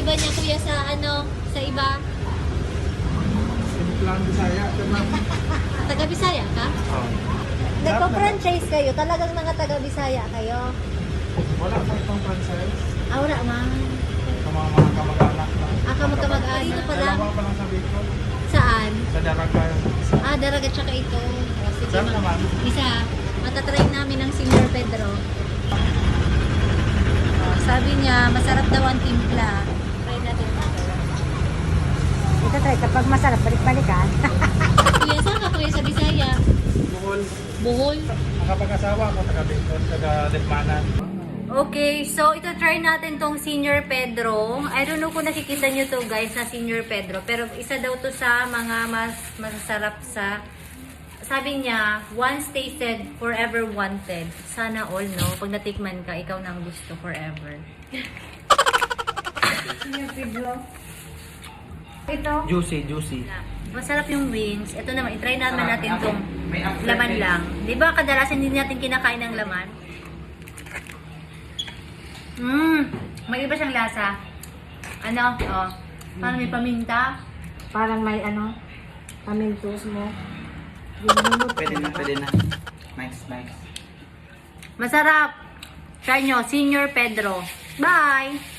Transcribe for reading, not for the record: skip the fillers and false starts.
iba niya kuya sa ano, sa iba? Simplang Bisaya. Taga Bisaya ka? Oh. Nagpa-franchise kayo? Talagang mga taga Bisaya kayo? Wala pa itong franchise. Ah, wala man. Sa mga kamag-anak lang. Ah, kamag-anak. Dito pa lang? Dalawa pa lang sa Bicol. Saan? Sa Daraga. Ah, Daraga tsaka ito. O, sige, Saan naman? Isa. Matatry namin ng Senior Pedro. Oh, sabi niya, masarap daw ang timpla. Try natin ito. Ito try, kapag masarap, balik-balikan. Kuya, saan ka kuya sa Bisaya? Buhol. Bohol? Nakapag-asawa ako, taga Bicol, taga Lekmanan. Okay, so ito try natin tong Senior Pedro. I don't know kung nakikita nyo to guys na Senior Pedro. Pero isa daw to sa mga mas masasarap sa... Sabi niya, once tasted, forever wanted. Sana all, no? Pag natikman ka, ikaw nang gusto forever. Senior Pedro. Ito. Juicy. Masarap yung wings. Ito naman, itry naman natin tong laman lang. Di ba kadalasan hindi natin kinakain ng laman? May iba siyang lasa. Ano? Oh, parang may paminta. Parang may ano, pamintos mo. Pwede na. Nice. Masarap. Try nyo, Senior Pedro. Bye!